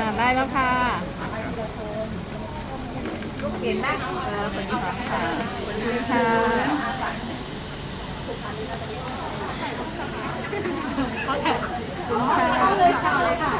ได้แล้วค่ะเห็นไหมสวัสดีค่ะสวัสดีค่ะเข้าเลยค่ะเลยค่ะ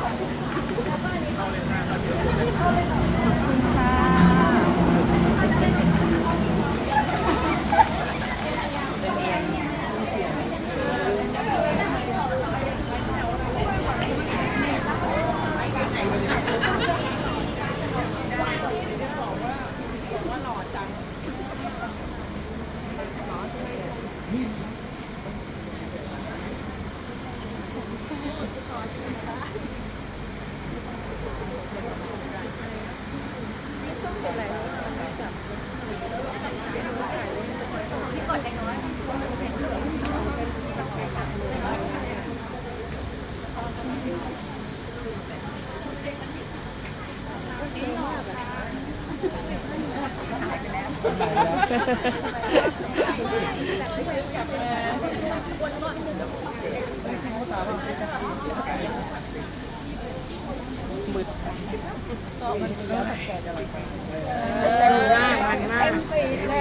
มืดก็มันก็แก่จะเลยมันมากเต็มปีเลย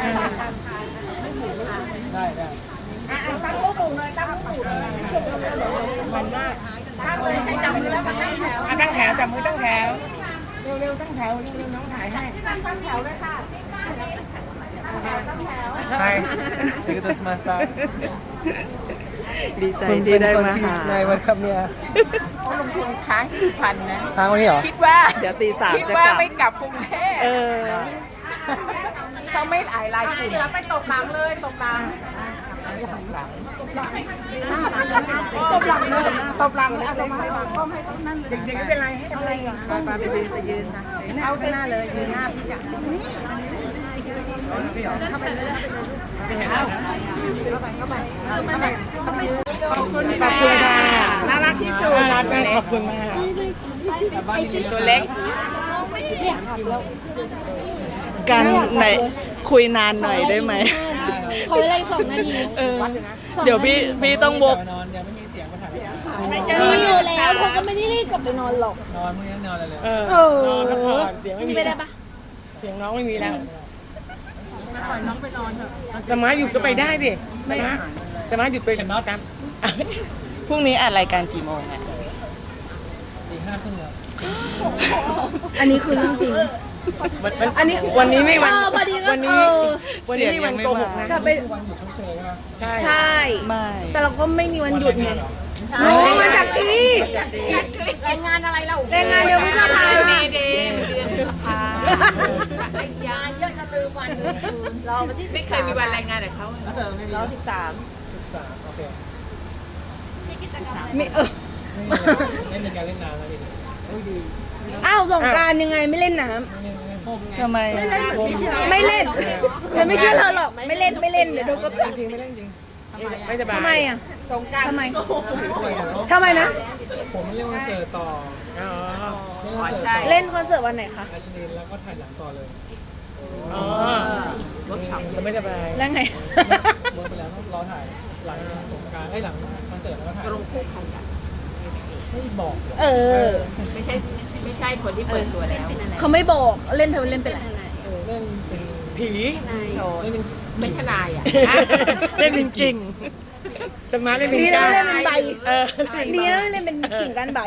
ได้ได้ตั้งตู้เลยตั้งตู้เลยมันมากตั้งเลยใครจับมือแล้วมาตั้งแถวตั้งแถวจับมือตั้งแถวเร็วๆตั้งแถวเร็วๆน้องถ่ายให้ตั้งแถวเลยค่ะตั้งแถวใช่ที่จะมาสตาร์ดีใจที่ได้มาหาในวันครับเนี่ยเขาลงทุนค้างที่สุพรรณนะทางวันนี้เหรอคิดว่าเดี๋ยวตีสามคิดจะว่ากลับไม่กลับกรุงเทพ เขาไม่หลายรายกลุ่มไปตบหลังเลยตบหลังตบหลังเลยตบหลังเลยเอามาให้ก้มให้ต้นนั่นเลยเด็กๆไม่เป็นไรให้อะไรอ่ะไปยืนนะเอาข้างหน้าเลยยืนหน้าพี่จักนี่เข้าไปเลยเข้าไปขอบคุณค่ะน่ารักที่สุดน่ารักมากขอบคุณมากตัวเล็กกันไหนคุยนานหน่อยได้ไหมเขาเวลา2 นาทีเดี๋ยวพี่ต้องบกนอนยังไม่มีเสียงมาถ่ายมีอยู่แล้วเขาก็ไม่ได้รีบกลับไปนอนหรอกนอนมึงยังนอนเลยเลยนอนพักผ่อนเสียงไม่มีไปได้ปะเสียงน้องไม่มีแล้วปล่อยน้องไปนอนเถอะแต่ม้าหยุดก็ไปได้ดิแต่ม้าหยุดไปครับพรุ่งนี้อัดรายการกี่โมงอ่ะตีห้าครึ่งแล้วอันนี้คือเรื่องจริงอันนี้วันนี้ไม่วันพอดีก็วันนี้ไม่วันโกหกนะกลับไปวันหยุดชดเชยใช่ไหมใช่ไม่แต่เราก็ไม่มีวันหยุดไงวันโอ้มาจากที่รายงานอะไรเราแรงงานเดือนพฤษภาเดย์เดือนพฤษภางานเยอะจะลืมวันเราวันที่ไม่เคยมีวันรายงานกับเขาเรา13 13โอเคไม่ไม่มีการเล่นน้ำแล้วดิอ้าวสงกรานต์ยังไงไม่เล่นน้ทำไมำไม่เล่น ฉันไม่เชื่อเธอหรอกไม่เล่นเดี๋ยวโดนกระจับจริงไม่เล่นจริงไม่สบายทำไมอ่ะสงการทำไมคุยกันแล้วทำไมนะผมเล่นคอนเสิร์ตต่ออ๋อเล่นคอนเสิร์ตต่อเล่นคอนเสิร์ตวันไหนคะราชนีแล้วก็ถ่ายหนังต่อเลยอ๋อจะไม่สบายแล้วไงเวิร์กไปแล้วต้องรอถ่ายหลังสงกรานต์หลังคอนเสิร์ตแล้วก็ถ่ายลงคู่กันไม่บอกเออไม่ใช่คนที่เปิดตัวแล้วเขาไม่บอกเล่นเธอเล่นเป็นอะไรเล่นเป็นผีเล่นเป็นเป็นทนายอ่ะเล่นเป็นกิ่งจะมาเล่นเป็นดีนะก้าไม่เล่นเป็นใบดีดีนะไม่เล่นเป็นกิ่งก้านใบ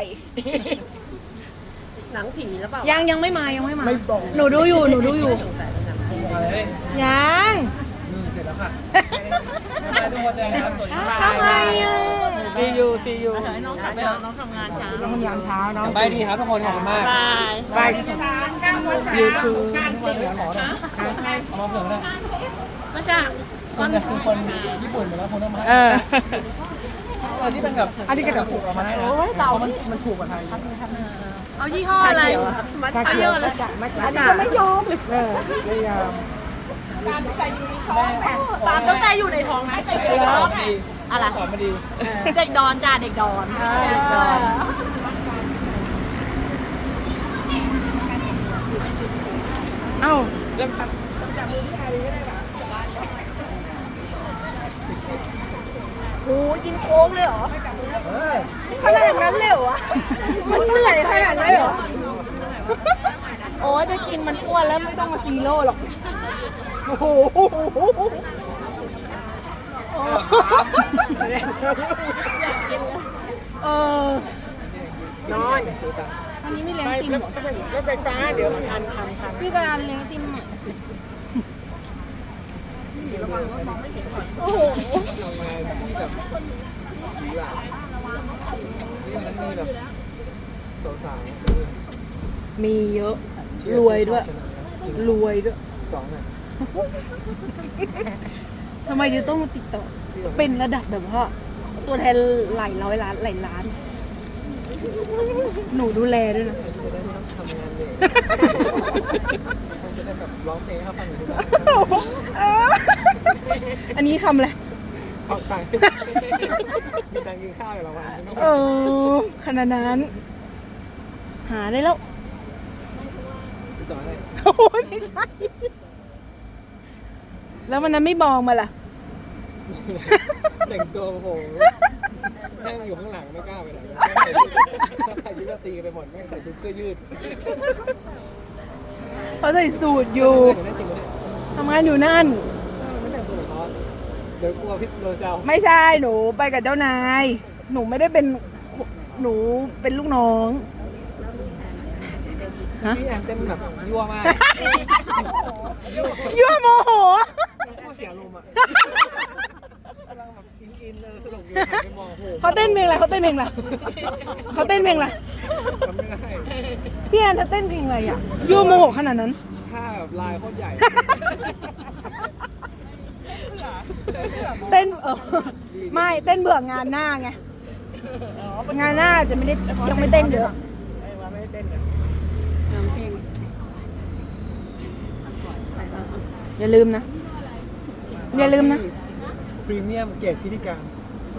หนังผีแล้วเปล่ายังไม่มาหนูดูอยู่อะไรเล่นยังเสร็จแล้วค่ะมาทุกคนเลยครับสวัสดีครับทำไมอ่ะซียูน้องทำงานเช้าน้องทำงานเช้าน้องบายดีครับทุกคนขอบคุณมากบายยูทูบเดี๋ยวขอหน่อยมอบเสริมได้ไม่ใช่คนจะคือคนญี่ปุ่นหมดแล้วคนต้องมาที่เป็นแบบอันนี้ก็จะถูกออกมาให้นะเพราะมันถูกกว่าไทยเอายี่ห้ออะไรมัทฉะเยอะเลยอันนี้ก็ไม่ยอมไม่ยอมตามตั้งแต่อยู่ในท้องนะไปอยู่ในท้องอะไรสอนมาดีเด็กดอนจ้าเด็กดอนเอ้าแล้วโอ้กินโค้งเลยเหรอขนาดนั้นเลยเหรอมันเหนื่อยขนาดนั้นถ้ากินมันอ้วนแล้วไม่ต้องมาซีโร่หรอกโอ้โหเออนอนอันนี้ไม่เลี้ยงไปติมแล้วรถไฟฟ้าเดี๋ยวทันพี่การเลี้ยงติมหน่อยโอ้โหทำงานที่แบบสีหลากนี่มันมีแบบสาวๆมีเยอะ รวยด้วย รวยด้วยสองอ่ะทำไมยูต้องมาติดต่อ เป็นระดับแบบว่า ตัวแทนหลายร้อยล้านหลายล้าน หนูดูแลด้วยนะจะได้ไม่ต้องทำงานเลยมันจะได้แบบร้องเพลงให้เขาฟังอยู่ที่บ้านอันนี้ทำอะไรขอบตังค์มีตังค์กินข้าวอยู่ละวันเออขนาดนั้น หาได้แล้วติดต่ออะไรโอ้ยไม่ใช่แล้ววันนั้นไม่มองมาล่ะแต่งตัวโอ้โหนั่งอยู่ข้างหลังไม่กล้าไปไหนถ้าใส่ชุดราตรีไปหมดไม่ใส่ชุดเสื้อยืดเขาใส่สูตรอยู่เดี๋ยวนั่นจริงไหมเนี่ยทำงานอยู่นั่นไม่แต่งตัวเหมือนเขาเดี๋ยวกลัวพี่โดนแซวไม่ใช่หนูไปกับเจ้านาย หนูไม่ได้เป็นหนูเป็นลูกน้องฮะพี่แอนเต้นแบบยั่วมากยั่วโมโหโคตรเสียลมอ่ะกำลังแบบอินสนุกอยู่หันไปมองโอ้โหเขาเต้นเพลงอะไรเขาเต้นเพลงอะไรเขาเต้นเพลงอะไรจำไม่ได้พี่แอนเธอเต้นเพลงอะไรอ่ะยั่วโมโหขนาดนั้นท่าแบบลายโคตรใหญ่เต้นไม่เต้นเบื่องานหน้าไงงานหน้าจะไม่ได้ยังไม่เต้นเยอะอย่าลืมนะ อย่าลืมนะพรีเมียมเกรดพิธีการ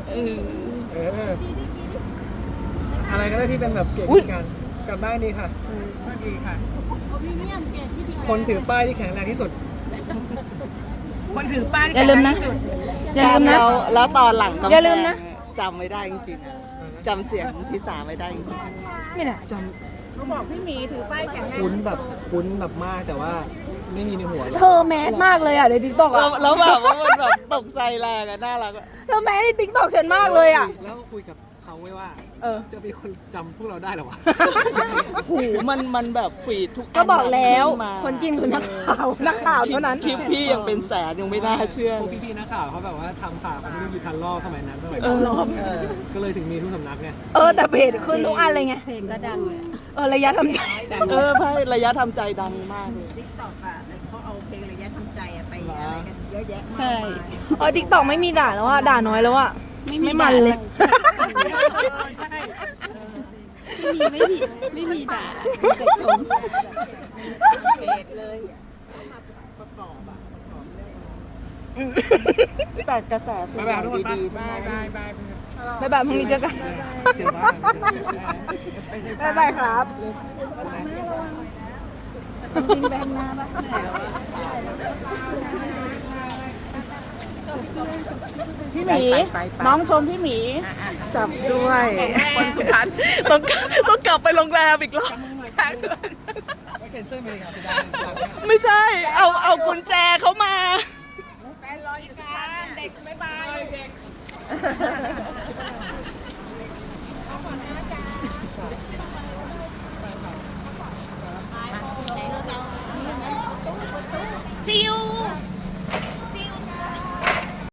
อะไรก็ได้ที่เป็นแบบเกรดพิธีการกลับบ้านดีค่ะดีค่ะคนถือป้ายที่แข็งแรงที่สุดคนถือป้ายอย่าลืมนะ อย่าลืมนะแล้วตอนหลังก็อย่าลืมนะจำไม่ได้จริงๆอะจำเสียงพี่สาไม่ได้จริงๆอะไม่ได้จำเขาบอกพี่หมีถือป้ายแข็งแรงคุ้นแบบมากแต่ว่าไม่มีในหัวเลยเธอแมสมากเลยอ่ะในทิกตอกอ่ะแล้วแบบว่ามันแบบตกใจแรงอะน่ารักอะเธอแมสในทิกตอกฉันมากเลยอ่ะแล้วก็คุยกับเขาไว้ว่าเออจะมีคนจำพวกเราได้เหรอวะหูมันแบบฟีดทุกนก็บอกแล้วขึ้มาคนจีนคือนักข่าวนักข่าวเท่านั้นคลิปพี่ยังเป็นแสนยังไม่น่าเชื่อพวกพี่ๆนักข่าวเขาแบบว่าทำข่าวเขาไม่ได้มีทันรอบสมัยนั้นสมัยก็เลยถึงมีทุกสำนักไงแต่เพจขึ้นทุกอันเลยไงเพลงก็ดังเลยระยะทำใจไพ่ระยะทำใจดังมากเลยติ๊กต็อกอ่ะเขาเอาเพลงระยะทำใจอ่ะไปอะไรกันเยอะแยะมากใช่มายทิกตอกไม่มีด่าแล้วอ่ะด่าน้อยแล้วอ่ะไม่มันเลยไม่มีด่าแต่ชมแต่กระแสส่วนใหญ่ดีๆบายบายบายบ๊ายบายพรุ่งนี้เจอกันเจอบ้านบ๊ายบายครับพี่หมีน้องชมพี่หมีจับด้วยคนสุพรรณต้องกลับไปโรงแรมอีกรอบไม่เคนเซิลไปเลยครับจะได้ไม่ใช่ เอากุญแจเขามาเด็กบ๊ายบาย See you